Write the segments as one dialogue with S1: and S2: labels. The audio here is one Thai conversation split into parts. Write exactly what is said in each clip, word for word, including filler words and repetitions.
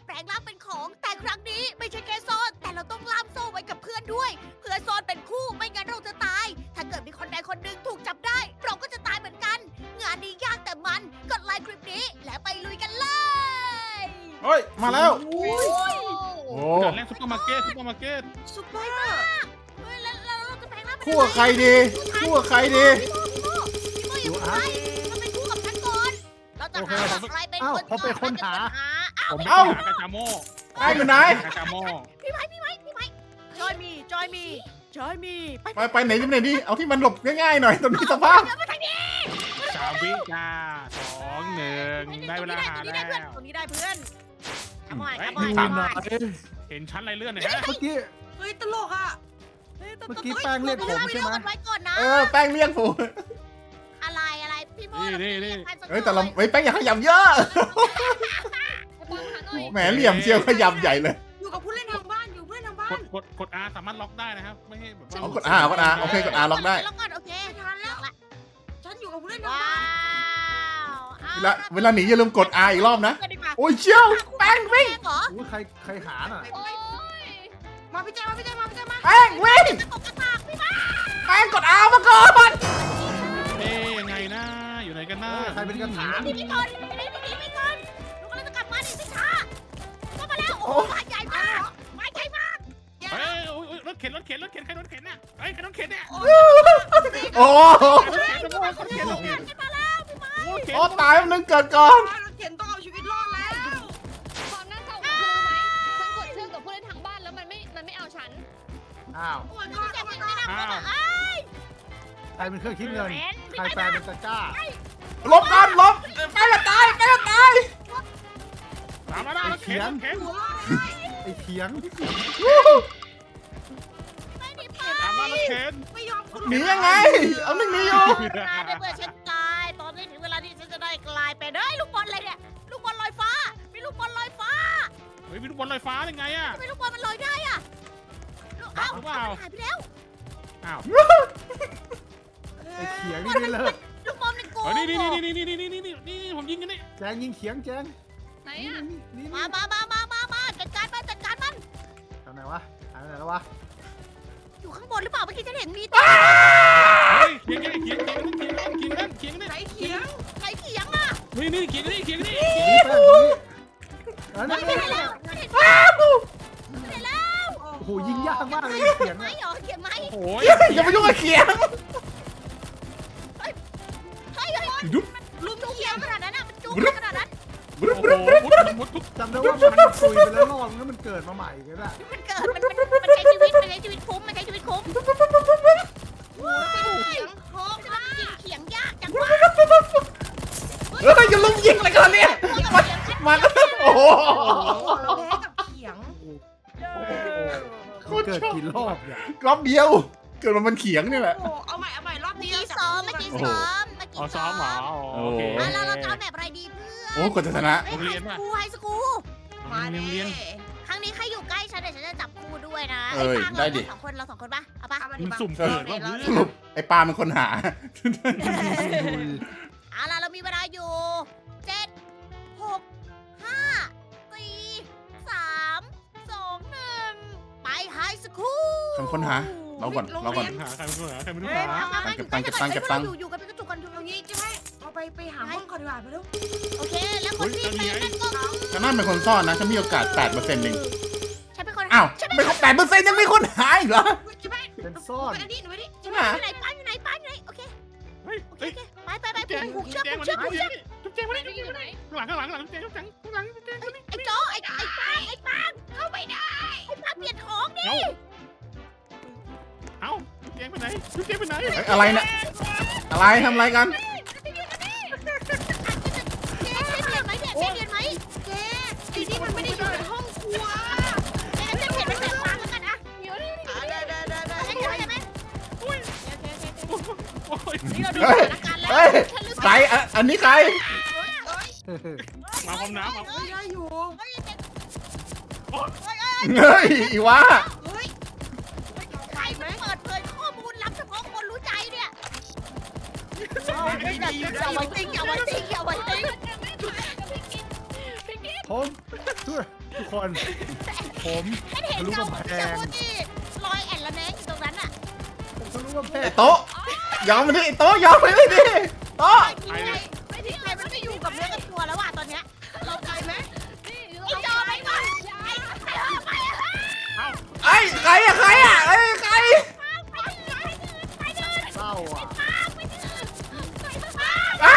S1: แปลงร่างเป็นของแต่ครั้งนี้ไม่ใช่แค่ซ่อนแต่เราต้องล่ามโซ่ไว้กับเพื่อนด้วย เพื่อซ่อนเป็นคู่ไม่งั้นเราจะตาย ถ้าเกิดมีคนใดคนหนึ่งถูกจับได้ เราก็จะตายเหมือนกัน งานนี้ยากแต่มันกดไลค์คลิปนี้และไปลุยกันเลย
S2: เฮ้ยมาแล้ว
S1: โอ้ย
S2: โอ้
S3: เกิดแรกซุปเปอร์มาร์เก็ตซุปเปอร์มาร์เก็ต
S1: สุดยอดมากเฮ้ยแล้วแล้วเราจะแปลงร่างเป็น
S2: คู่กับใครดีคู่กับใครดี
S1: พี่โมพี่โมพี่โมอย่าเพิ่งไปเราเป็นคู่กับฉันก่อนเราจะหาว่าใครเป็นคน
S4: ผมเป็นคนหา
S3: ผมเป็น
S2: เอ้า
S3: หากาจาโม่
S2: แป้งอยู่ไหน
S3: กาจาโม่
S1: พี่ไม้พี่ไม้พี่ไม้จอยมีจอยมีจอยมีไป
S2: ไปไปไหนที่ไหนดีเอาที่มันหลบง่ายๆหน่อยตรงนี้สภาพ
S1: เดินมาทางนี้
S3: สามวิจ้าสองหนึ่งได้เวลาหา
S1: ตรงนี้
S3: แล้
S1: ได้เพื่อน
S3: ว
S1: ตรงนี้ได้เพื่อนขโมยขโม
S4: ดู
S1: ย
S4: ห
S1: ข
S4: น่
S1: โม
S4: อย
S1: ย
S3: เห็นชั้นอะไรเลื่อนหน่อยฮะ
S4: เมื่อกี้
S5: เฮ้ยตลกอ่ะ
S4: เมื่อกี้แป้งเรียกผมใช่ไหม
S1: ไว้ก่อนนะ
S2: เออแป้งเรียกผม
S1: อะไรอะไรพี่โม
S3: นี่นี่นี่
S2: เฮ้ยแต่เราเฮ้ยแป้งอย่าขยับเยอะแหมเหลี่ยมเชียวขยับใหญ่เลย
S5: อยู่กับผู้เล่นทางบ้านอยู่เพื่อนทางบ้าก น
S3: ดกดกด R สามารถล็อกได้นะครับไม่ให้แบบว่า
S2: เอากด R กด R โอเคกด R ล็อกได้
S1: ล็อกก่อนโอเค
S5: ไม่ทันแล้ว
S1: ล็อกละ
S5: ฉันอยู่กับผู้เล่นทาง
S1: ว้า
S5: บ้าน
S1: ว
S2: เวลาเวลาหนีอย่าลืมกด R อีกรอบนะ
S1: เพื่อนดีกว่า
S2: โอ้ยเชี่ยวแป้งวิ่ง
S1: แป้งเหรอ
S4: โอ้ยใครใครหาน่ะ
S5: ไปไปมาพี่แจมาพี่แจมาพี่แจมา
S2: แป้งวิ่ง
S1: จะตกกระตากพี่ไม้
S2: แป้งกด R มาก่อน
S3: เอ๊ยยังไงนะอยู่ไหนกันนะ
S4: เออใครเป็นกระถาง
S1: หนีไปก่อนหนีไปหนีไปก่อนลูกกำลังจะกลับมาดิพี่ช้าเข้ามาแล้วโอ้โหมาใหญ่มากมาใหญ่มาก
S3: เฮ้ยโอ้ยรถเข็นรถเข็นรถเข็นใครรถเข็นน่ะเฮ้ยใครรถเข็นเนี่ย
S2: โอ้
S3: รถเข็นรถเข็นรถเข็นรถเข็น
S1: ขึ้นมาแล้วพี่ไม้
S3: รถเข็น
S2: โอ้ตายมันนึงเกิดก่อน
S5: รถเข็นต้องเอาชีวิตรอดแล้ว
S6: ความน่าเศร้าของคือไหมฉันกดชื่อกับผู้เล่นทางบ้านแล้วมันไม่ มันไม่เอาฉัน
S4: อ้าว
S5: โอ้ยก็
S1: พี่แจ็ค
S5: เอา
S1: ไม่
S5: มา
S1: ได้นะเอ้ย
S4: ใครเป็นเครื่องคิดเงิน ใครแปลเป็นตะกร้า
S2: ลบก่อนลบแป้งจะตายแป้งจะตาย
S3: ตามมาได้รถเข็นรถเข็น
S5: หัวรอด
S4: ไอ้เขียง
S1: ไม่หนีไป
S3: ตามมารถเข็น
S5: ไม่ยอมคุณ
S2: หนียังไง เอาหนึ่งหนีอยู่
S1: นายได้เมื่อฉันตายตอนนี้ถึงเวลาที่ฉันจะได้กลายเป็นเฮ้ยลูกบอลอะไรเนี่ยลูกบอลลอยฟ้ามีลูกบอลลอยฟ้า
S3: เฮ้ยมีลูกบอลลอยฟ้ายังไงอะ
S1: ทำไมลูกบอลมันลอยได้อะลูกเอ้า
S3: หรือเปล่า
S1: มันหายไปแล้ว
S3: อ้าว
S4: ไอ้เขียงนี่ไม่เลิก
S1: ลูกบอลมันโกง
S3: เฮ้ยนี่นี่นี่นี่นี่นี่นี่นี่นี่ผมยิงกันนี่
S4: แจงยิงเขียงแจง
S6: ไหนอ่ะ
S4: นี่นี่
S1: มามามามามามาจัดการมันจัดการมัน
S4: ทำไหนวะหายไปไหนแล้ววะ
S1: อยู่ข้างบนหรือเปล่าเมื่อกี้ฉันเห็นมี
S3: เฮ้ยเขียงเขียงเขียงเขียงเขียงนั่นเขียงนั่น
S5: ไหน
S3: เขียงนั่น
S5: เขียง
S1: ใครเถียงอ่ะ
S3: นี่นี่เขียงนี่เขียงนี่
S4: นี่แป้งตรงนี้อัน
S1: ไม่
S4: นี้
S1: เห็นแล้วไม่เห็นไม่เห็นแล้ว
S4: โอ้โหยิงยากมากเลยเขียง
S1: ไม่
S4: เนี่ย
S1: เหรอเขียนไหม
S3: โอ้ย
S2: อย่าไปยุ่งกับเขียง
S1: เฮ้ยเฮ้ย
S2: ดุ๊บ
S1: ลุมจุ๊บเขียงขนาดนั้นอ่ะมันจุ๊บขนาดนั้น
S2: บรึ๊บ
S3: โอ้
S2: บรึ๊บ
S3: โห
S2: บรึ๊บ
S3: มุดทุก
S4: จำได้ว่ามันคุยไปแล้วรอบแล้วมันเกิดมาใหม่กันอะ
S1: มันเกิดมันมันมันใช้ชีวิตมันใช้ชีวิตคุ้มมันใช้ชีวิตคุ้มโอ้ยเขียงโคกนะเขียงยากจังวะ
S2: เฮ้ยอย่าลุมยิงอะไรกันเนี่ยมามาก็โอ้โห
S5: เราแพ้กับเขียง
S4: มันเกิดกี่รอบเนี่ย
S2: รอบเดียว เกิดมามันเขียงนี่แหละ
S5: โอ้เอาใหม่เอาใหม่รอบ
S1: เมื่อ
S5: นี้
S1: กี้ซ้อมเมื่อกี้ซ้อมเมื่อ
S3: อ๋อ
S1: กี้
S3: ซ้อมเหรอโอเค
S1: อ่ะแล้วเราจะเอาแบบอะไรดีเพื่อน
S2: โอ้กดจะชนะ
S1: ไฮสกูไฮสกู
S5: มา
S3: เรียน
S5: เน่
S3: เรียน
S1: ครั้งนี้ใครอยู่ใกล้ฉันเดี๋ยวฉันจะจับคู่ด้วยนะ
S2: เอ้ย
S1: ไอ้ปาง
S2: ได้ดิ
S1: เราสองคนเราสองคนปะเอาปะ
S5: เอามาดิ
S3: มัน
S5: มา
S3: สุ่มเกิดว่า
S2: สรุปไอ้ปลาเป็นคนหา
S1: เอาล่ะเรามีเวลาอยู่เจ็ดหกห้าสี่สามสองหนึ่งไปไฮสคู
S2: ทำคนหา เราก่อนเราก่อน
S3: หาใครเป็นคนหาใครเป็นคน
S5: เฮ้ย
S3: หา
S5: มามา
S2: เก็บตังค์เก็บตังค์เก็บตังค์
S1: อยู่อยู่กันเป็นกระจุกกันอยู่
S5: เอางี้ใช่ไหมเอาไปไปหาห้องก่อนดีกว่าไปเร็ว
S1: โอเค แล้วคนที่เป็นนั่นก็คือ
S2: ฉันนั่นเป็นคนซ่อนนะ ฉันมีโอกาสแปดเปอร์เซ็นต์เอง
S1: ฉันเป็นคน
S2: อ้าวไม่ครบแปดเปอร์เซ็นต์ยังมีคนหาอีกเหรอ
S5: ใช่ไหม
S4: เป็นซ่อน
S5: ไปอันนี้หนูไปดิ
S2: ใช่ไหม
S1: อยู่ไหนป้าอยู่ไหนป้าอยู่ไหนโอเค
S3: เฮ้ย
S1: โอเค
S3: เฮ้ย
S1: โอเคไปไปไป
S3: แจง
S1: ผูกเชือก
S3: แจง
S1: ผูก
S3: มา
S1: เชื
S3: ดิ
S1: อกผูกเชือก
S3: จุ๊บแจงมาดิ
S6: อยู่ไหน
S3: ข้างหลังข้างหลังข้างหลังแจงจุ๊บแจงข้างหลังแจง
S1: ไอ้โจ้ไอ้ไอ้ปางไอ้ปางเข้าไปได้ไอ้ปางเปลี่ยนของดิ
S3: เอ้าเอ้าจุ๊บแจงไปไหนจุ๊บแจงไปไหน
S2: เฮ้ยอะไรเนี่ย อะไรทำอะไรกัน
S1: เจ๊เปลี่ยนไหมเนี่ยเจ๊เปลี่ยนไหม
S5: เจ๊ไอ้นี่มันไม่ได้อยู่ในห้องครัว
S1: เจ๊เจ๊เปลี่ยนเป็นแบบปางแล้วกันนะ
S6: อยู่นี่
S5: อ่าได้ได้ได้ได้
S1: เจ๊เจ๊เห็นไหม
S3: โอ้ย
S1: นี่เราดู
S2: เฮ้
S1: ส
S2: ย
S1: ถานการณ์แล้ว
S2: เฮ้ย
S1: ฉันรู้สึก
S2: ใครอ่ะอันนี้ใคร
S3: มาพร้อมน้ำมา
S5: เฮ้ยได้อยู่
S1: เฮ้ยเจ๊
S2: เฮ้ยอีวะ
S5: เฮ้ย
S1: ใครมันเปิดเผยข้อมูลลับเฉพาะคนรู้ใจเนี่ย
S5: ไม่ดี
S1: อย่าไว้ติ้งอย่าไว้ติ้งอย่าไว้ติ้ง
S4: ผมทุกคน ผม
S1: ฉันเห็น
S4: ทะลุ
S1: เงาก
S4: ำ
S1: ของ
S4: แพ
S1: พี่ชาง โมที่ลอยแอนละแนงอยู่ตรงนั้นอ่ะ
S4: ผมทะลุกำแพง
S2: ไอ้โต๊ะยอมมาดิไอ้โต๊ะยอมไปเลยดิโต๊ะ
S1: ไอ้ที่ไหนไอ้ที่ไหนมันไม่อยู่กับเนื้อกับตัวแล้วอ่ะตอนเนี้ยเราไปไหม
S6: นี่
S1: ไอ้จอไปก่อนไอ้ไอ้ไปอ่ะ
S2: ไอ้ใครอะใครอะไอ้ใคร
S4: เศร้าอ่ะ
S2: อ้า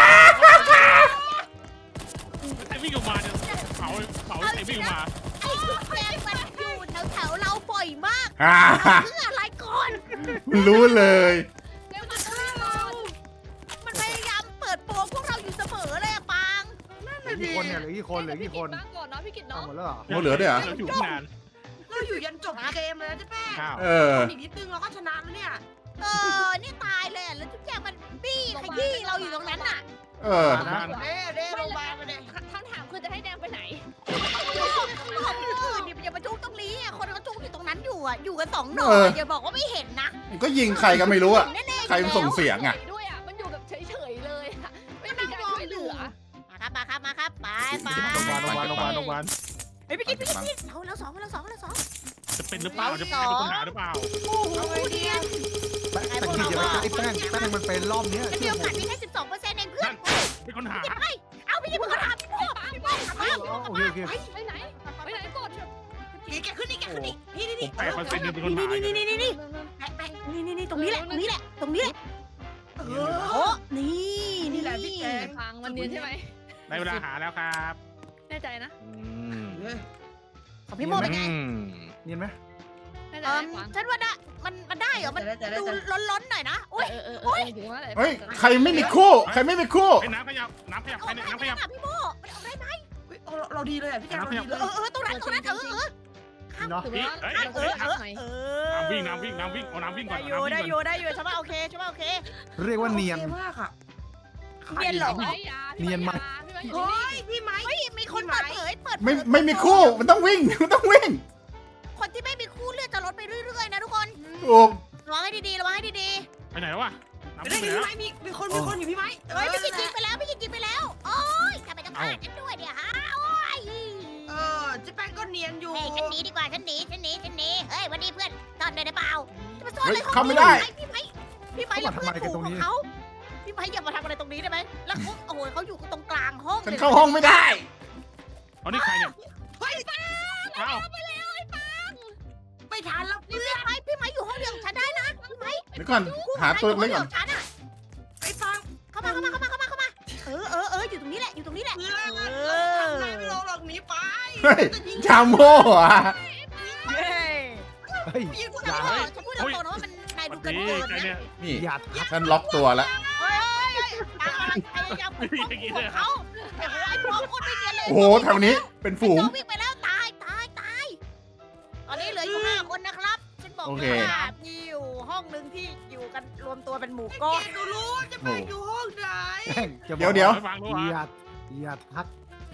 S3: ใครวิ่งออกมาเนี่ยเผาเผาใครวิ่งออกมา
S1: ไอ้ชุดแดงมันอยู่แถวๆเราบ่อยมาก
S2: อ่า
S1: เพื่ออะไรก่อน
S2: รู้เลย
S6: เร็วมาฆ่าเรา
S1: มันพยายามเปิดโปงพวกเราอยู่เสมอเลยอะปาง
S4: เหลือกี่คนเนี่ยเหลือกี่คนเหลือกี่คน
S6: บ้างก่อนเนาะพี่กิต
S4: เอา
S6: เนาะ
S4: หมดแล้วเหรอ
S2: โอ้เหลือด้วยเหรอ
S3: เราอยู่ตั้งนาน
S5: เราอยู่ยันจบเกมเลยนะเจ๊แป้ง
S3: ข้าว
S2: เออ
S5: อีกนิดนึงเราก็ชนะแล้วเนี่ย
S1: เออนี่ตายเลยอะแล้วทุกอย่างมันบี้ขยี้เราอยู่ตรงนั้นน่ะ
S2: เออ
S3: บ้าน
S5: เด้เด้ลงมาไปเลย
S6: คำถามคือจะให้แดงไปไหน
S1: ของอื่นนี่อย่ามาจุกตรงนี้อะคนเขาจุกอยู่ตรงนั้นอยู่อะอยู่กันสองหน่อ
S2: เออ
S1: อย่าบอกว่าไม่เห็นนะ
S2: มันก็ยิงใครก็ไม่รู้อะ
S1: แน่ๆ
S2: ใครมันส่งเสียงอะ
S6: ด้วยอ่ะ มันอยู่แบบเฉยๆเลยอะไม่มีการช่วยเหลือ
S1: มาครับมาครับมาครับไปไป
S4: โรงพยาบาลโรงพยาบาลโรงพยาบาลโรงพยาบาล
S1: เฮ้ยพี่กินพี่กินพี่กินเราเราสองเราสองเราสอง
S3: จะเป็นหรือเปล่าจะเป็นคนหาหรือเปล่า
S1: โอ้โห
S5: เอาไงดีอะ
S4: แป้งแต่กินอย่าไปใกล้แป้งแป้งมันเป็นรอบเนี้ย
S1: มันมี
S4: เชื่อ
S1: โอ
S4: ผ
S1: กาส
S4: ม
S1: มีแค่สิบสองเปอร์เซ็นต์เองเพื่อน
S3: เป็นคนหา
S1: เอาพี่กินมึงก็ทำพี่โม่พี่โม่เอา
S4: อ๋อโอเคโอเค
S6: ไปไหน ไปไหนกด
S5: นี่แกขึ้นนี่แกขึ้นนี่นี่นี่
S3: ผมแปดเปอร์เซ็นต์เป็นคนหา
S1: นี่นี่นี่นี่นี่แปะแปะนี่นี่นี่ตรงนี้แหละตรงนี้แหละตรงนี้แหละ
S5: เอ
S1: โอ้
S5: อ
S1: นี่
S5: นี่แหละพี่แก
S6: พังมันเนียนใช่ไหม
S3: ได้เวลาหาแล้วครับ
S6: แน่ใจนะ
S1: ของพี่โมเป็นไง
S4: เนียนไหม
S6: แน่ใจ
S1: เออ
S6: นะฟัง
S1: ฉันว่าได้มันมันได้เหรอมันดูล้นๆหน่อยนะอุ้ย
S6: เออเออเออถึงว่าอะไร
S2: เฮ้ยใครไม่มีคู่ ใครไม่มีคู่
S3: ไอ้น้ำขยับน้ำขยับ
S1: เอา
S3: ใคร
S1: ได้
S3: เนี่ย
S1: ไหม
S3: น้ำขยับ
S1: ล่ะพี่โมมันเอาได้ไหม
S5: เราดีเลยอ่ะพี่แกเราดีเลย
S1: เออเออตรงนั้นตรงนั้นเออเออ
S4: เนาะ
S6: ถือว่า
S3: เอ้ย
S6: เรา
S1: เอ
S6: จะ
S1: อ
S6: ได้
S1: เอ
S6: พั
S1: อก
S6: ไหม
S1: เออ
S3: น้ำวิ่งน้ำวิ่งน้ำวิ่งเอาน้ำวิ่งก่อ
S1: ได้
S3: น
S1: อยู่
S3: น้ำวิ่ง
S1: ได้
S3: ก่อน
S1: อยู่ได้อยู่ฉันว่าโอเคฉันว่าโอเค
S4: เรียกว่าเนียน
S5: มากอ่ะ
S1: เนียนเหรอ
S6: พี่ไม้ยาพี่ไม้ยาพี่ไม้อยู่
S5: เฮ้
S6: นี่
S5: ยพี่ไม้
S1: เฮ้ยมีคนเปิดเผยเปิดเผย
S2: ไม่ไม่มีคู่ มันต้องวิ่ง มันต้องวิ่ง
S1: คนที่ไม่มีคู่เลือดจะลดไปเรื่อยๆนะทุกคน
S2: ถูก
S1: ระวังให้ดีๆระวังให้ดี
S3: ไปไหนแล้ววะน้ำ
S5: ได้
S3: วิ่งไป
S5: พี่
S3: แล้ว
S5: ไม้มีมีคนมีคนอยู่พี่ไม้
S1: ๆเฮ้ยพี่กินกินไปแล้วพี่กินกินไปแล้วโอ้ยทำไมต้องฆ่าฉันด้วยเนี่ยฮะโอ้ย
S5: เออเจ๊แป้งก็เนียนอยู่
S1: เฮ้ยฉันหนีดีกว่าฉันหนีฉันหนีฉันหนีเฮ้ยวันนี้เพื่อนซ่อนได้หรือเปล่าจะมาซ่อนอะไร
S2: เฮ้ย
S1: ของ
S2: เข้าไม่ได้
S1: พี่ไม้พี่ไม้อย่าเพื่อนฝูงของเขาพี่ไม้อย่ามาทำอะไรตรงนี้ได้ไหมแล้วเขาโอ้โหเขาอยู่ตรงกลางห้อง
S2: ฉัน
S1: เลย
S2: เข้าห้องไม่ได้
S3: เอานี่ใครเนี่ย
S5: เฮ้ย
S3: เอ้า
S5: ไม่ทันแล้ว
S1: นี่พี่ไม้พี่ไม้อยู่ห้องเดียวกับฉันได้นะพี่ไม้
S2: เดี๋ยวก่อน หาตัวเล็กก่อน
S1: ฉันอะ
S5: ไอ้ฟัง
S1: เข้ามาเข้ามาเข้ามาเข้ามาเข้ามาเออเออเอออยู่ตรงนี้แหละอยู่ตรงนี้แหละ
S5: เพื่อนทำอะไรไม่ลงหรอกหนีไป
S2: เฮ้ย ชาโม่อะ
S1: เย้
S4: เฮ้ย
S5: ยิงกู
S1: ฉัน
S5: ทำไม
S1: พูดฉันพูดตรงๆนะว่ามันนาย
S3: สวั
S1: ดู
S3: ส
S1: เกิน
S3: ดี
S1: เกิน
S3: ใคร
S1: นะ
S3: เนี่ย
S2: นี่
S4: อย่าทัก
S2: ฉันล็อกตัวแล้ว
S1: เฮ้ยตามอะไรพยายามปกป้องของเขาแต่ว่าไอ้พวกคนไม่เนียนเลย
S2: โอ้โห แถวนี้เป็นฝูง
S1: น้องวิ่งไปแล้วตายตายตายตอนนี้เหลืออยู่ห้าคนนะครับฉันบอก
S2: โอ
S1: เล
S2: เค
S1: ยว่ามีอยู่ห้องหนึ่งที่อยู่กันรวมตัวเป็นหมู่
S5: ไอ้
S1: ก้อ
S5: เก
S1: น
S5: ดรู้จะไปอยู่ห้องไหน
S4: แป้งจะบอก
S2: เดี๋ยวเดี๋ยว
S3: ฟังรู้
S4: อ
S3: วะ
S4: ย่าอย่าทัก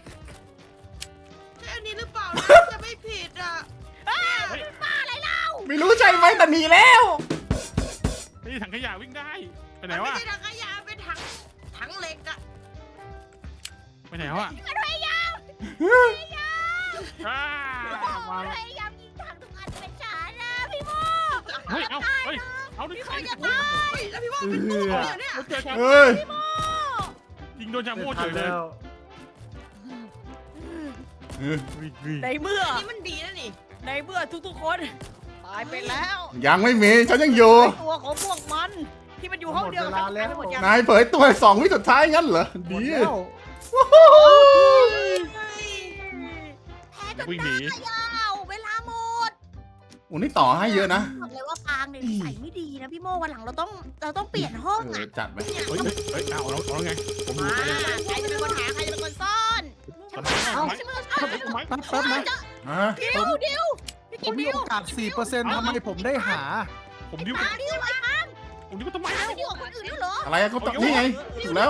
S5: ใช่อันนี้หรือเปล่าจะไม่ผิดอ่ะ
S2: ไม่รู้ใช่ไหมแต่หนีแล้ว
S3: นี่ถังขยะวิ่งได้ไปไหน
S5: มัน
S3: วะ
S5: ไม่ใช่ถังขยะเป็นถังถังเหล็กอ่ะ
S3: ไปไหนวะ
S1: มันพยายาม
S3: อ้า
S1: มันพยายามยิงถังทุกอันเป็นฉันนะพี่โม
S3: เฮ้ยเอาเฮ้ยเอาดิ
S1: พี่โม
S3: ใคร
S1: อย่า
S3: เนี่ย
S1: ตาย
S5: เฮ้ยแล้วพี่ว่าเป็นตู้เนี่ยเนี่ย
S3: เจอชาโม่
S2: เฮ้ย
S1: พี่โม
S3: ยิงโดนชา
S4: ไม่
S3: โม่
S4: ทั
S3: เฉ
S4: น
S3: ยเลย
S4: แล้ว
S1: ในเมื่อ
S5: นี่มันดีนะนี่
S1: ในเมื่อทุกๆคนตายไปแล้ว
S2: ยังไม่มี ฉันยังอยู่
S1: ตัวของพวกมันที่มันอยู่ห้องเดียวกับฉันตายไปหมดยัง
S2: นายเผยตัวสองวิสุดท้ายงั้นเหรอ
S4: หม
S2: ดี
S4: ดแล้ว
S1: แพ้จน
S3: วิ่งหนี
S1: ได้ยาวเวลาหมด
S2: โอ้นี่ต่อให้เยอะนะ
S1: บอกเลยว่าปางเนี่ยนิสัยไม่ดีนะพี่โมวันหลังเราต้องเราต้องเปลี่ยนห้อง
S2: เออ
S1: อ่ะ
S2: จัดไป
S3: เฮ้ยเฮ้ยเอาเอาเอาไงผมดู
S1: มา
S3: ใครเนี่ย
S1: ใครจะเป็นคนหาใครจะเป็นคนซ่อน
S3: ตอนนี้
S1: ฉัน
S3: เอา
S1: ไม่
S3: ไหม
S1: ใช่เป็นคนซ่อน
S3: เอาไหม
S4: แป๊บแป๊บนะ
S2: ฮะ
S1: ดิวดิวพี่
S4: ผ
S1: กิ
S4: ม
S1: น
S4: มี
S1: ดิว
S4: โอกาส สี่เปอร์เซ็นต์ ทำไมผมได้หา
S3: ผมดิ้ว
S1: หาดิวไอ้ปาง
S3: ผมดิ้วทำไม
S1: หา
S3: แล้ว
S1: ดิวกับคนอื่นด้วยเหรอ
S2: อะไรอะเขาตอบนี่ไง ถูกแล้ว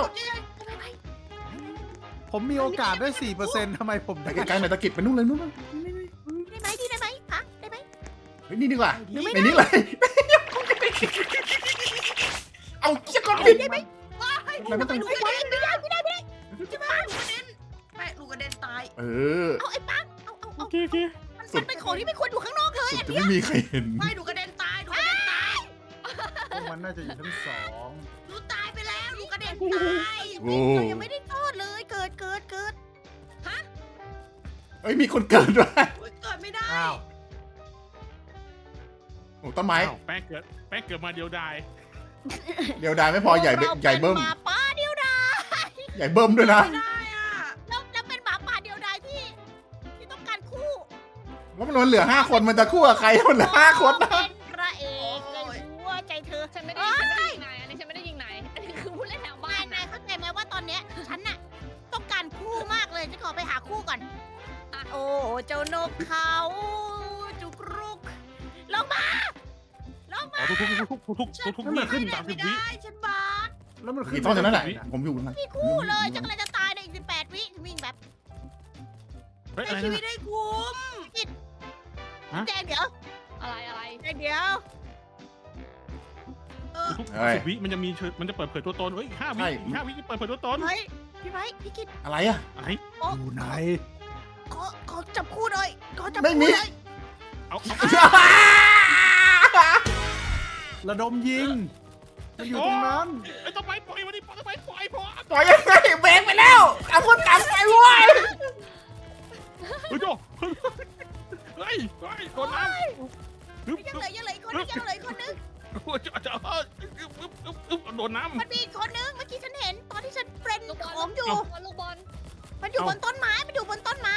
S4: ผมมีโอกาสได้ สี่เปอร์เซ็นต์ ทำไมผม
S2: ไป
S4: ได้
S2: ไกลๆหน่อยตะกิดไปนู่นเลยนู่นเลย
S1: ได้ไหมดีได้ไหมพักได้ไหม
S2: เฮ้ยนี่ดีกว่า
S1: หรือไม่
S2: ไปนี่เลย เอาเชี่ยก่อนผิด
S1: ได้ไหม
S2: แล้วไม่ต้อง
S1: ไม่ได้ไม่ได้ไม่ได้ไม่ได้
S5: จะมาลูกกระเด็นแม่ลูกกระเด็นตาย
S2: เออ
S1: เอาไอ้ปังเอา
S3: เคโอเค
S1: มันเป็นของที่ไม่ควรอยู่ข้างนอกเลย
S2: สุดจะไม่มีใครเห็น
S5: ไม่หนูกระเด็นตายหนูกระเด็นตาย
S4: พวกมันน่าจะอยู่ชั้นสอง
S5: หนูตายไปแล้วหนูกระเด็นตาย
S2: โอ้
S1: เรายังไม่ได้โทษเลยเกิดเกิดเกิด
S2: เอ้ยมีคนเกิดด้วย
S5: อุ๊ยเกิดไม่ได้
S4: อ้าว
S2: โอ้ต้นไม้
S3: อ้าวแป้งเกิดแป้งเกิดมาเดียวดาย
S2: เดี๋ยวดายไม่พอใหญ่เบ้ใหญ่เบิ้ม
S1: ราเป็นหมาป่าเดียวดาย
S2: ใหญ่เบิ้มด้วยนะ
S5: ไม่ได้อ่ะ
S1: แล้วแล้วเป็นหมาป่าเดียวดายที่ที่ต้องการคู่
S2: ว่ามันเหลือห้าคนมันจะคู่กับใครมันเหลือห้าคนนะ
S1: เป็นพระเอกในหัวใจเธอ
S6: ฉันไม่ได้ฉันไม่ได้ยิงนายอันนี้ฉันไม่ได้ยิงนายอันนี้คือผู้เล่นทางบ้าน
S1: นาย
S6: นะ
S1: เข้าใจไหมว่าตอนเนี้ยฉันน่ะต้องการคู่มากเลยฉันขอไปหาคู่ก่อนอ่ะโอ้เจ้านกเขาจุกรุกลงมาลง
S3: อ๋
S1: มา
S3: อทุกทุกทุกทุกทุกทุกทุกวิ
S5: ขึ้น
S3: สามสิ
S5: ไม่
S3: บวิ
S5: ได้ฉันบาด
S4: แล้วมันขึ้
S2: มี
S4: น
S2: ต้นจากนั้นแหละผมอยู่นะ
S1: มีคู่เลยฉันกำลังจะตายในอีกสิบแปดวิวิ่งแบบ
S3: เฮ้ย
S5: ใน
S3: อะไร
S5: ชี
S3: นั่น
S5: วิต
S3: น่ะ
S5: ได้คุ้ม
S1: แจงเดี๋ยว
S6: อะไรอะไร
S1: แจงเดี๋ยว
S5: เออ
S3: ทุกสามสิบวิมันจะมีเชิญมันจะเปิดเผยตัวตนเฮ้ยห้าวิอีกห้าวิเปิดเผยตัวตน
S1: เฮ้ยพี่ไม้พี่กิต
S2: อะไรอะ
S3: อะไร
S4: อยู่ไหน
S1: ขอขอจับคู่หน่อยขอจับ
S2: ไม่มี
S1: คู่หน่อย
S3: เอาเอา
S4: ระดมยิงมันอยู่ตรงนั้น
S3: ไอ้ต้นไม้ปล่อยมาดิต้นไม้ปล่อยพอ
S2: ปล่อยยังไงเบรกไปแล้วเอาคนกลับไปเว้ย
S3: เฮ้ยโจเฮ้ยเฮ้ยโดนน้ำฮึบ
S1: ยัง
S3: ฮึบ
S1: เหลือยังเหลืออีกคนนึงยังเหลืออีกคนนึง
S3: โอ้ยจะจะเอออึ๊บอึ๊บอึ๊บอึ๊บโดนน้ำ
S1: มันมีอีกคนนึงเมื่อกี้ฉันเห็นตอนที่ฉันเป็น
S6: ลูกบอล
S1: ของอยู่
S6: ลูกบอลลูกบอล
S1: มันอยู่บนต้นไม้มันอยู่บนต้นไม้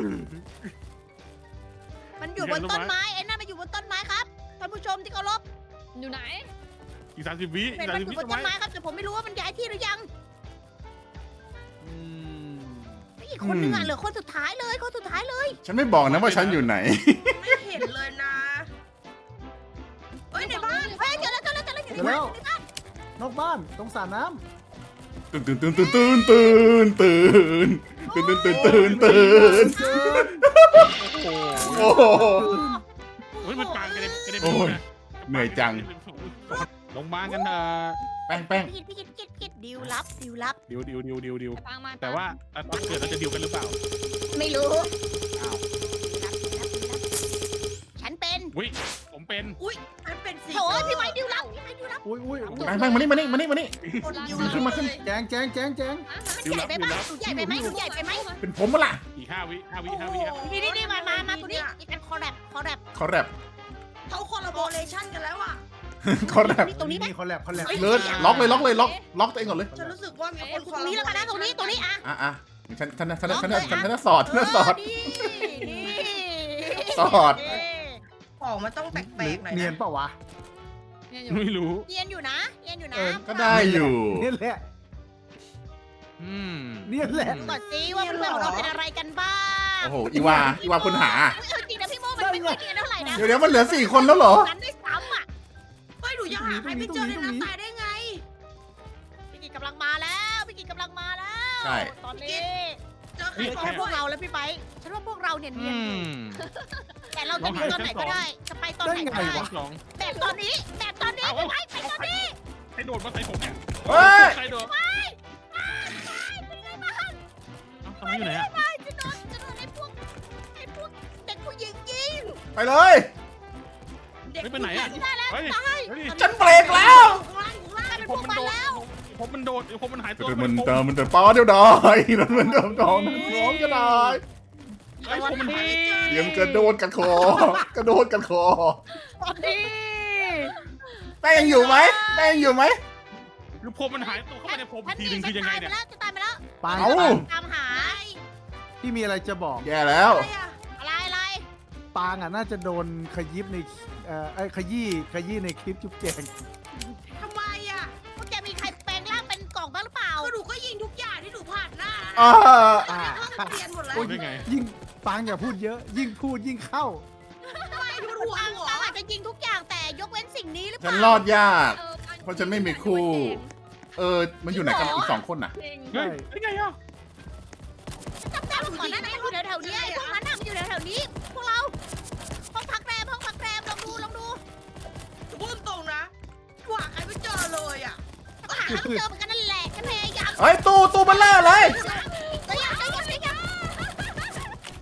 S1: มันอยู่บนต้นไม้ไอ้นั่นมันอยู่บนต้นไม้ครับท่านผู้ชมที่เคารพ
S6: อยู่ไหน
S3: อีกสามสิบวิ
S1: เห็น
S3: สาม
S1: มัน
S3: สิบ
S1: อยู่
S3: วิ
S1: บน
S3: ทำ
S1: ต้น
S3: ไม
S1: ไม้ครับแต่ผมไม่รู้ว่ามันย้ายที่หรือยัง
S4: อืม
S1: ไม่อีกคนนึงอ่ะเหลือคนสุดท้ายเลยคนสุดท้ายเลย
S2: ฉันไม่บอกนะว่าฉันอยู่ไหน
S5: ไม่เห็นเลยนะเฮ้ยในบ้าน
S1: เฮ้ยเจอแล้วเจอแล้วเจอแล้วอยู่
S4: เดี๋
S1: ใน
S4: ยว
S1: บ้า
S4: แล้
S1: น
S4: วน อกบ้านตรงสระน้
S2: ตื่นตื่นตื่นตื่นตื่นตื่นตื่นตื่นตื่นตื่นตื่น
S4: ำ
S2: ตื่น
S4: เกิน
S3: โอ้โห
S2: โอ้โห
S3: เฮ้ยมันปางกันเลยกันเลย
S2: โอ้ยเหนื่อยจัง
S3: ลงมากันเถอะ
S2: แป้งแป้ง
S1: พี่กิดพี่กิดพี่กิดพี่กิดดิวลับดิวลับ
S3: ดิวดิวดิวดิวดิว
S6: ไปฟังมา
S3: แต่ว่าตอนเกิดเราจะดิวกันหรือเปล่า
S1: ไม่รู้
S3: อ้าว
S1: ดิวลับดิวลับดิวลับฉันเป็น
S3: วิผมเป็น
S5: อุ้ยฉันเป็นสี
S1: โถ่พี่ไม้ดิวลับพี่ไม้ดิวลับ
S4: อุ้ยอุ้ย
S2: แป้งแป้งมานี่มานี่มานี่มานี่
S5: คนอยู่
S2: ขึ้นมาขึ้น
S4: แจงแจงแจงแจง
S1: มันใหญ่ไปไหมมันใหญ่ไปไหมมันใหญ่ไปไหม
S2: เป็นผมมาล่ะ
S3: อีกห้าวิห้าวิห้าวิครับ
S1: นี่นี่นี่มามามาตัวนี้นี่เป็นคอแรปคอแรป
S2: เขาแรป
S5: เขาคอลลาโบเรชั่นกันแล้วอ่ะ
S2: เขาแรป
S1: นี่ตรงนี้ไหม
S4: มีคนแลบคนแลบ
S2: เลยล็อกเลยล็อกเลยล็อกล็อกตัวเองก่อนเลย
S5: ฉันรู้สึกว่ามีคน
S1: ตรงนี้แล้วกันนะตรงนี้ตรงนี้อ่ะ
S2: อ่ะอ่ะฉันฉันฉันฉันฉันฉันฉันสอดฉันสอด
S1: นี่นี่
S2: สอด
S5: ของมันต้องแปลกๆหน่อย
S4: เนียน
S5: นะ
S4: เปล่าวะ
S6: เนี่ยอยู่
S3: ไม่รู้
S1: เนียนอยู่นะเนียนอยู่นะ
S4: เออ
S2: ก็ได้อยู่
S4: เนี่ยแหละ
S3: อืม
S4: เนี่ยแหละ
S1: ก่อนสิว่าเพื่อนของเราเป็นอะไรกันบ้าง
S2: โอ้โหอีวาอีวาคนหา
S1: เออจริงนะพี่โมมันไม่ค่อยเนียนเท่าไหร่นะ
S2: เดี๋ยวเดี๋ยวมันเหลือสี่คนแล้วเหรอ
S1: กันด้วยซ้ำอ่ะ
S5: เฮ้ยหนูยังหาใครไม่เจอเลยนะตายได้ไง
S1: พี่กิจกำลังมาแล้วพี่กิจกำลังมาแล้ว
S2: ใช่
S1: ตอนนี้
S5: เจอใคร
S1: ไม่
S5: ก่อ
S1: ใช่
S5: น
S1: พวกเราแล้วพี่ไบค์ฉันว่าพวกเราเนี่ยเนี
S3: อื
S1: ยนอยู่
S3: ม
S1: แต่เราจะหนีตอนไหนก็ได้จะไปตอนไหนก็ได้
S3: สอง
S1: แบบตอนนี้แบบตอนนี้พี่ไบค์ไปตอนนี้
S3: ใครโดดมาใส่ผมเนี่ย
S2: เฮ้ย
S3: ใครโดด
S1: ไปไปเป็นไงบ้าง
S3: เอ้าทำไมอยู่ไหนอะ
S1: ไปจะโดนจะโดนไอ้พวกไอ้พวกเด็กผู้หญิงยิง
S2: ไปเลย
S5: เด็ก
S3: ไม่ไปไหนอะ
S1: ได้แล้ว
S3: เฮ้ย
S1: ตาย
S3: เฮ้ย
S2: ฉันเบรกแล้ว
S5: ข้างล่างอยู่ข้างล่าง
S1: เป็น
S3: ผ
S1: พว
S3: ม
S1: ก
S3: มัน
S1: มัน
S3: โดด
S1: แล้ว
S3: ผมมันโดดผมมันหายตัว
S2: มันเติมมันเติมป้าเดี๋ยวได้มันมันเติมกองน้องก็ได้
S3: ไอ้ผมมันหาย
S2: เตรียมกระโดดกันคอกระโดดกันคอ
S1: ตอนนี้
S2: แป้งยังอยู่ไหมแป้งยังอยู่ไหม
S3: หรือผมมันหายตัวเข้าไปในผมทีนึงคือยังไงเนี่ย
S1: จะตายไปแล้ว
S4: ปาง
S2: เอ้า
S1: ตามหา
S4: พี่มีอะไรจะบอก
S2: แย่แล้ว
S5: อะไรอะ
S1: อะไรอะไร
S4: ปางอ่ะน่าจะโดนขยิบในเอ่อไอ้ขยี้ขยี้ในคลิปจุ๊บแจง
S5: ทำไมอะ
S1: พวกแกมีใครแปลงร่างเป็นกล่องบ้างหรือเปล่า
S5: ก็หนูก็ยิงทุกอย่างที่หนูผ่านหน้านะ
S2: อ่า
S4: อ่า
S5: ห้องเรียนหมดแล้ว
S3: ได้ไง
S4: ยิ่งปางอย่าพูดเยอะ ยิ่งพูดยิ่งเข้า
S5: ไม่ทุกหัว
S1: ตัง
S5: หัว
S1: ตังอาจจะยิงทุกอย่างแต่ยกเว้นสิ่งนี้หรือเป
S2: ฉัน
S1: ล่า
S2: รอดยาก
S6: ออ
S2: เพราะฉันไม่มีคู่ เออ มันอยู่ไหนกันอีกสองคนน่ะ
S6: จริง
S3: เฮ้ยได้ไงอ่ะ
S1: จำได้ว่าก่อนหน้านั้นมันอยู่แถวๆนี้ไอ้พวกนั้นน่ะมันอยู่แถวๆนี้ พวกเรา ห้องพักแรมห้องพักแรมลองดูลองดู
S5: พูดตรงนะหาใครไม่เจอเลยอะ
S1: ก็หาไม่เจอเหมือนกันนั่นแหละฉันพยายาม
S2: เฮ้ย ตู้ตู้เบัลเลอร์เลย
S1: ก็ยังก็ยังก็ยัง
S5: พูดอะไร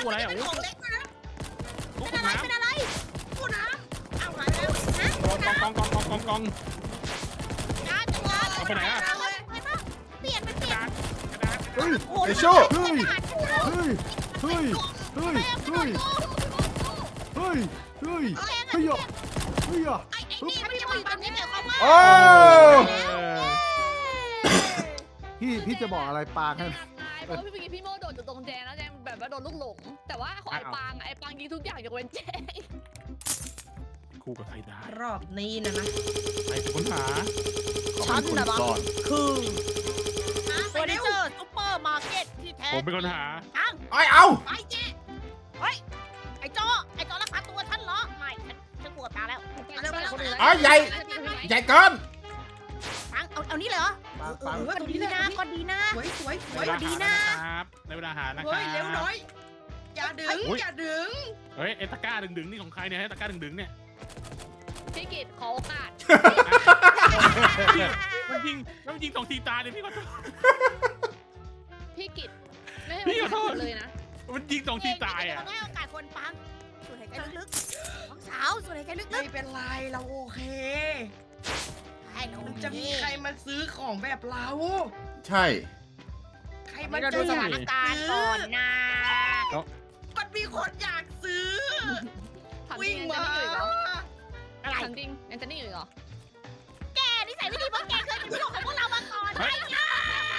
S3: ตู้อะไรอ่ะ
S5: เป็น
S3: โอ้
S5: ของเล็กด้วยนะ
S3: ตู้
S1: เป็น
S3: ก
S1: อะไร
S3: น้ำ
S1: เป็นอะไร
S5: ตู้น้ำเอามาแล้ว
S3: กองกองกองกองกองกอง
S1: งานจังงาน
S3: เอาไปไหนอะ
S1: เปลี่ยนมัน
S3: ก
S1: เประลี่ยน
S3: ดาษกระดาษ
S4: เฮ้ย
S1: โอ้โห
S2: ไอ้โชค
S4: เฮ้ย เฮ้ย เฮ้ย เฮ้ย เฮ้ย เฮ้ย เฮ้ย เฮ้ย เฮ้ยอ่ะเฮ้ยอ่ะ
S1: ไอ้ไอ้นี่มันจะมาอยู่ตรงนี้เกี่ยวกับว่า
S2: โอ้
S3: เออ
S4: พี่พี่จะบอกอะไรปางให้
S6: ตายเพราะว่าพี่เมื่อกี้พี่โมโดดอยู่ตรงแจงแล้วแจงแบบว่าโดนลูกหลง แต่ว่าของไอ้ปางอะไอ้ปางยิงทุกอย่างยกเว้นแจง
S3: คู่กับใครได้
S5: รอบนี้นะนะ
S3: ใครเป็นคนหา
S2: เขาเป็นคนซ่อน
S1: คือเฟอร์นิเจอร์ซุปเปอร์มาร์เก็ตที่แท้
S3: ผมเป็นคนหา
S1: ตั้ง
S2: ไอ้เอา
S1: ไปเจ๊เฮ้ยไอ้จอไอ้จอรักษาตัวฉันเหรอไม่ฉันฉันปวดตาแล้ว
S2: อ๋อใหญ่ ใหญ่เกิน
S1: ตั้งเอาเอานี่เลยเหรอ
S4: ปาง
S1: เอ
S4: ปาง
S1: อก็ดีนะก็ดีนะ
S5: สวยสวยส
S3: ใน
S5: วย
S3: เวลาหานะครับในเวลาหานะครั
S5: เฮ้ยเร็วหน่
S3: บ
S5: อยอย่าดึงอย่าดึง
S3: เฮ้ยไอ้ตะกร้าดึงๆนี่ของใครเนี่ยไอ้ตะกร้าดึงๆเนี่ย
S6: พี่กิตขอโอกาส
S3: มันยิงมันยิงสองทีตายเลยพี่ขอโทษ
S6: พี่กิตไม่ให้
S3: พี่
S6: โอ
S3: ขอโท
S6: กา
S3: ษ
S6: สเลยนะ
S3: มันยิงสองทีตายอ่ะ
S1: เให้โอกาสคนฟังสูดหายใจลึกๆน้องสาวสูดหายใจลึ
S5: ไม่
S1: ก
S5: เป็นไรเราโอเค
S1: ๆให้เรา
S5: มันจะมีใครมาซื้อของแบบเรา
S2: ใช่
S5: ใคร
S1: มั
S5: มาน
S1: จะ
S5: เจ
S1: ดู
S5: อ
S1: สถานการณ์ก่อนนะ
S5: มันมีคนอยากซื้อ
S6: ถามจริ
S5: วิ่
S6: ง
S5: ง
S6: ยัง
S5: มา
S6: จะนิ่งอยู่อีกเหรอ
S1: อะไร
S6: ถามจริงยังจะนิ่งอยู่อีกเหรอ
S1: แกนิสัยไม่ดีเพราะแกเคยเป็นพี่ของพวกเรามาก่อน
S3: เฮ้
S1: ไอ้
S3: ย
S1: ยา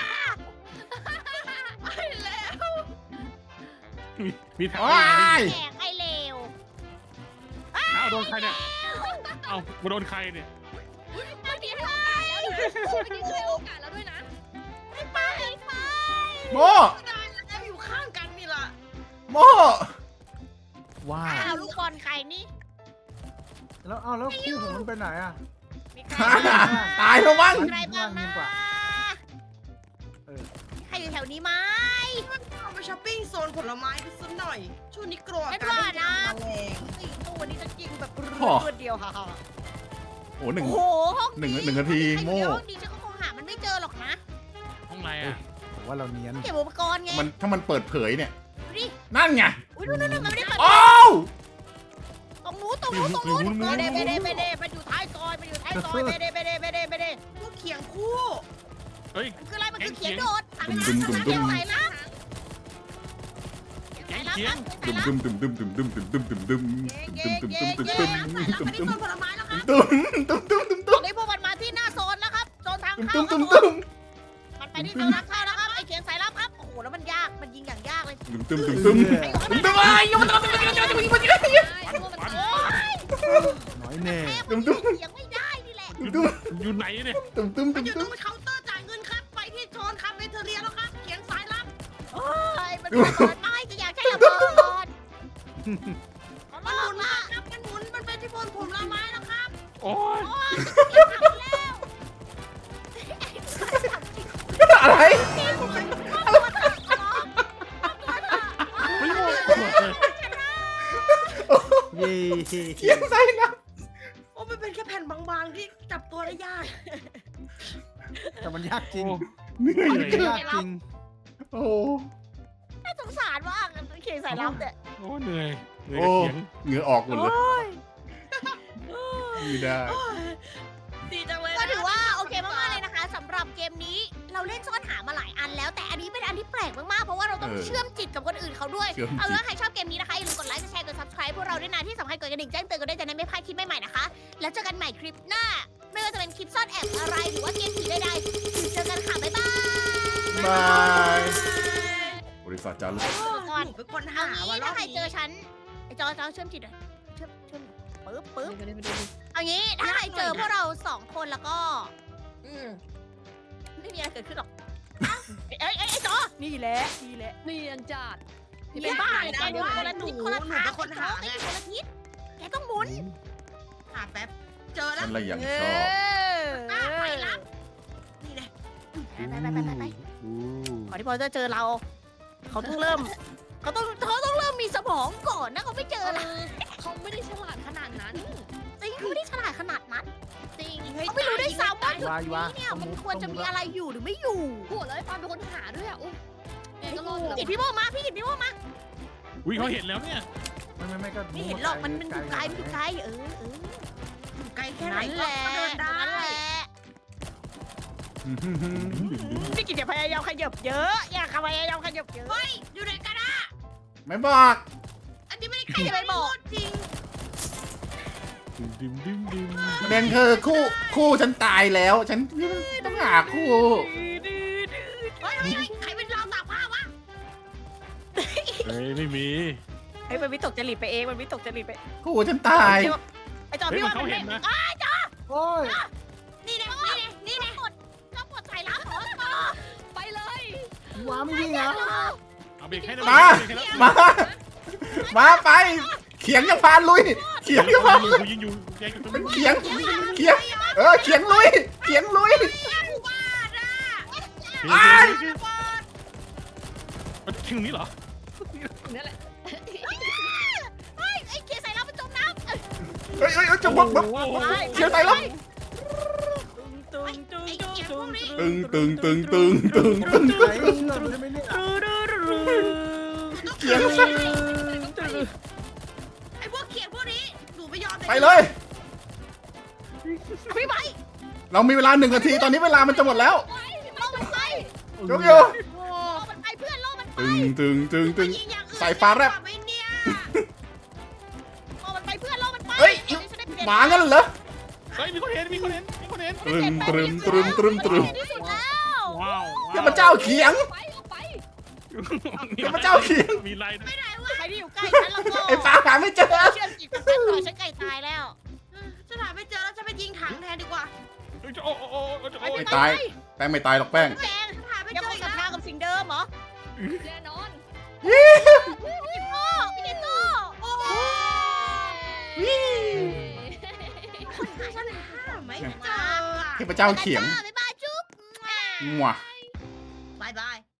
S5: ไปแล้ว
S3: มีมีแถว
S2: โอ้
S3: ไหน
S2: ย
S1: แกไอ้เลว
S3: อ้าวโดนใครเนี่ยเอ้ามาโดนใครเนี่ย
S1: เมื่อกี้ให้
S6: เมื่อกี้เคยให้โอกาสแล้วด้วยนะ
S1: ไปไปไป
S2: โม
S5: ได้แล้วอยู่ข้างกันนี่ล่ะ
S2: โม
S4: ว้า
S1: อ้าว วลูกบอลใครนี่
S4: แล้วเอาแล้วคู่ผมมันไปไหนอ่ะ
S1: มีใคร
S2: ตายแล้วมั้ง
S1: มีใครบ้างนะ
S4: เออ
S1: ใครอยู่แถวนี้ไหม
S5: เอาไปช้อปปิ้งโซนผลไม้ไปสักหน่อย ช่วงนี้กลัว
S1: ไม่
S5: การ
S1: ว่านะ
S5: แมลง
S1: ไอ้ตัวนี้จะจริงแบบร
S2: โอ้
S1: วดเดียวค่ะ
S2: โอ้หนึ่ง
S1: โอ้โหห้อง
S2: หนึ่งหนึ่งนาทีโม่
S1: ห้องนี้ฉันก็คงหามันไม่เจอหรอกนะ
S3: ห้องไหนอ่ะ
S4: ผมว่าเราเนียน
S1: เก็บอุปกรณ์ไง
S2: มันถ้ามันเปิดเผยเนี่ย
S1: ดูดิ
S2: นั่นไง
S1: อุ้ยนู่นๆๆมันไม่ได้เปิด
S2: โอ้
S1: ตรงนู้นตรงนู้นตรงนู้นไม่ได้ไม่ได้ไม่ได้มันอยู่ท้ายซอยมันอยู่ท้ายซอยไม่ได้ไม่ได้ไม่ได้ไม่ได้
S5: พวกเขียงคู่
S3: เฮ้ย
S1: มันคืออะไรมันคือเขียนโดดสั่ง
S2: ดุมดุมดุมดุม
S1: สายลับ
S3: เขียงเขียง
S2: ดุมดุมดุมดุมดุมดุมดุมดุมดุมดุมดุมดุมดุมดุมดุมดุมดุมดุม
S5: อันนี้โซนผลไม้แล้วครับ
S2: ดุมดุมดุมดุม
S1: ตอนนี้พวกมันมาที่หน้าโซนแล้วครับโซนทางเข้า
S2: ดุม
S1: ค
S2: ดุ
S1: รับ
S2: ม
S1: ผ
S2: ดุ
S1: ม
S2: ม
S1: มันไปที่โซนทางเข้าแล้วครับไอเขียนสายลับครับโอ้โหแล้วมันยากมันยิงอย่างยากเลย
S2: ดุมดุมดุมดุมดุมดุมไอ้ยมันดุมดุมดุมดุมดุมดุมดุม
S6: ใช่เพราะว่ามัน
S1: โอ้ย
S4: น้อยแน่
S1: แม่มันยิงเสียงไม่ได้นี่แหละ
S2: ดุม
S3: อยู่ไหนเนี่ย
S2: ดุมดุม
S5: มั
S2: ดุ
S5: น
S2: ม
S5: อยู่ต
S2: ดุ
S5: ร
S2: ม
S5: งเคาน์เตอร์จ่ายเงินครับ ไปที่โซนคาเฟ่เทอเรียแล้วครับ เขียนสายลับ
S1: โอ้ยมันระเบิดไม่จะอยากใช้ระเบิดขอ
S5: มัน
S1: ร้
S5: ห
S1: อ
S5: มุ
S1: ง
S5: น
S1: ละ
S5: มาครับมันหมุน มันเป็นที่โซนผลไม้แล้วครับ
S3: โอ้ย
S1: โอ้ยเก็บถังแล้ว
S2: อะไร
S3: ไม่รู้
S4: เย่
S2: เขียนใส่นะ
S5: โอ้มันเป็นแค่แผ่นบางๆที่จับตัวได้ยาก
S4: แต่มันยากจริง
S2: เหนื่อย
S4: มันยากจริง
S2: โอ้
S1: น่าสงสารมากเขียนสายลับเนี่ย
S3: โอ้เหนื่อยเหนื่อย
S2: โอ้
S3: กับเขียง
S2: เหงื่อออกหมดเลยไม่ได้
S5: ดีจังเลย
S1: ก็ถือว่าโอเคมากๆเลยนะคะสำหรับเกมนี้เราเล่นซ่อนหามาหลายอันแล้ว แต่อันนี้เป็นอันที่แปลกมากๆเพราะว่าเราต้องเชื่อมจิตกับคนอื่นเขาด้วย
S2: เชื่อม
S1: เอา
S2: จิ
S1: เป็น
S2: ต
S1: ว่าใครชอบเกมนี้นะคะอย่าลืมกดไลค์กดแชร์กด subscribe พวกเราด้วยนะที่สำคัญกดกระดิ่งแจ้งเตือนกันด้วยจะได้ไม่พลาดคลิปใหม่ๆนะคะ แล้วเจอกันใหม่คลิปหน้า ไม่ว่าจะเป็นคลิปซ่อนแอบอะไรหรือว่าเกมผีใดๆเจอกันค่ะบ๊ายบาย
S2: บายบริษัทจารึก
S1: ก่อน
S5: หนูเป็นคน
S1: เอา
S5: หา
S1: งี้
S5: ว่ารอ
S1: ถ้า
S5: บ
S1: ใคร
S5: นี้
S1: เจอฉันไอจอจอเชื่อมจิตหน่อยเชื่อมเชื่อมปึ๊บปึ๊บ
S6: ไปดูไปดู
S1: เอางี้ถ้าใครเจอพวกเราสองคนแล้วก็
S5: อืม
S1: ไม่มีอะไรเกิดขึ้นหรอกอ้าวเอ้ยเอ้ยไอ้จอนี่แหละนี่แหละ
S6: เนียนจัด
S1: นี่เป็นบ้าเลยแกอยู่คนละทิศคนละทางคนหาแกอยู่คนละทิศแกต้องหมุน
S5: หาแป๊บ เจอแล้
S2: ฉั
S5: วน
S2: ละอย่าง
S1: เอ
S2: ชอบ
S1: อ
S5: อ่ะไปรับ นี่แหละ
S1: ไปไปไปไปไป
S4: อู้
S1: ก่อนที่พอจะเจอเรา เขาต้องเริ่ม เขาต้องเขาต้องเริ่มมีสมองก่อนนะเขาไม่เจ
S6: เอ
S1: อละ
S6: อเขาไม่ได้ฉลาดขนาดนั้น
S1: จริงเขาไม่ได้ฉลาดขนาดนั้นจริง
S5: เฮ้ย
S1: เขาไม่รู้ด้วยซ้ำว่าจุด
S4: วายวา
S1: นี้เนี่ยมันควรจะมีอะไรอยู่หรือไม่อยู่
S6: โหแล้วไอ้ปาเป็นคนหาด้วยอ่ะอุ๊ยเนี่ยก็รอดอยู่แล้ว
S1: กิดพี่โมมาพี่กิดพี่โมมา
S3: อุ้ยเขาเห็นแล้วเนี่ย
S4: ไม่ไม่ไม่ก็
S1: ไม่เห็นหรอกมันมันอยู่ไกลมันอยู่ไกลเออเออ
S5: อยู่ไกลแค่ไหน
S1: นั่นแห
S5: ก็
S1: ละ
S5: เดินได้
S1: นั่นแหละนี่กินอย่าพยายามขยับเยอะอย่าพยายามขยับเยอะ
S5: เฮ้ยอยู่ไหนกันอะ
S2: ไม่บอก
S5: อันนี้ไม่ได้ใครจะไปบอกจริง
S3: ดึงดึงดึง
S2: ประเด็นคือคู่คู่ฉันตายแล้ว ฉันต้องหาคู่
S5: เฮ้ยเฮ้ยเฮ้ยใครเป็นเราตากผ้าวะ
S3: เฮ้ยไม่มี
S1: ไอ้ยมันวิตกจริตไปเองมันวิตกจริตไป
S2: คู่ฉันตาย
S1: ไอ้จอ
S3: เฮ้ย
S1: พี่
S3: มัน
S1: ว่า
S3: เขา
S1: มัน
S3: เห็นนะ
S4: โอ้ย
S5: นี่ไงนี่ไงนี่ไง
S1: ก็ปวดใส่ล้างหัวต่อ
S6: ไปเลย
S4: ว้าไม่วิ่งอ่ะ
S3: เอาเบรกให้นะ
S2: มา
S3: เบรกให้แล้ว
S2: มา มาไป เขียงจะพานลุย เขียงจะพานลุย
S3: กูยิงอยู่แกอยู่ตรง
S2: เป็น
S3: นี้
S2: เขียง เขียง เออ เขียงลุย เขียงลุย
S3: เฮ้ยเฮ้ยเฮ้ยมันถึงนี้เหรอ
S6: นี่แหละ
S1: เฮ้ยไอ้เกียร์ใส่ล้างมันจมน้ำ
S2: เฮ้ยเฮ้ยเฮ้ยจะบอกแบบ
S3: โอ้โห
S2: เขียงใส่แล้ว
S1: ตึงตึงตึงตึง
S2: ตึงตึงตึงตึงตึงตึง
S4: ไหนหล่นได้ไหมเนี่ย
S2: เขียง
S5: ไอ้พวกเขียนพวกนี้หนูไม่ยอม
S2: ไปเลย
S1: พี่ไป
S2: เรามีเวลาหนึ่งนาที ตอนนี้เวลามันจะหมดแล้ว
S1: ล่อมันไป
S2: ยกอยู่
S1: ล่อมันไปเพื่อนล่อมันไป
S2: ตึงตึงตึงตึง
S5: ยิงอย่างอื่น
S2: สายฟ้าแลบ
S5: ดีกว่ไหมเนี่ย
S1: ล่อมันไปเพื่อนล่อมันไป
S2: เฮ้ย หมางั้นเหรอ
S3: เฮ้ยมีคนเห็นมีคนเห็นมีคนเห็น
S2: ตรึมตรึมตรึมตรึมตรึม
S1: ที่สุดแล้ว
S3: ว้าว
S2: เทพเจ้าเขียง
S6: ไปเอาไป
S2: เทพเจ้าเขียง
S3: มีลายด้วย
S1: ใครที่อยู่ใกล้ฉันแล้วก็
S2: ไอ้ฟ้าหาไม่เจอ
S1: เชื่อมจิตกับฉันหน่อยฉันใกล้ตายแล้ว
S5: ฉันหาไม่เจอแล้วฉันไปยิงถังแทนดีกว่า
S3: เฮ้ยจะโอ้โอ้โอ้โอ้จะโอ้
S2: ไม่ตาย แป้งไม่ตายหรอกแป้ง
S1: แดง
S5: ฉันหาไม่
S1: ยัง
S5: เจ
S1: ค
S5: อง อีก
S1: ศรัท
S5: แล้
S1: ธาว กับสิ่งเดิมเหรอ
S6: แน่นอน
S1: พี่โต้พี่นิโต้
S5: โอ้
S6: เย้
S5: ฉันหาไม่เจออะ
S2: เทพเจ้าเขียง
S1: บ๊ายบายจุ๊บ
S2: มัว
S5: บายบาย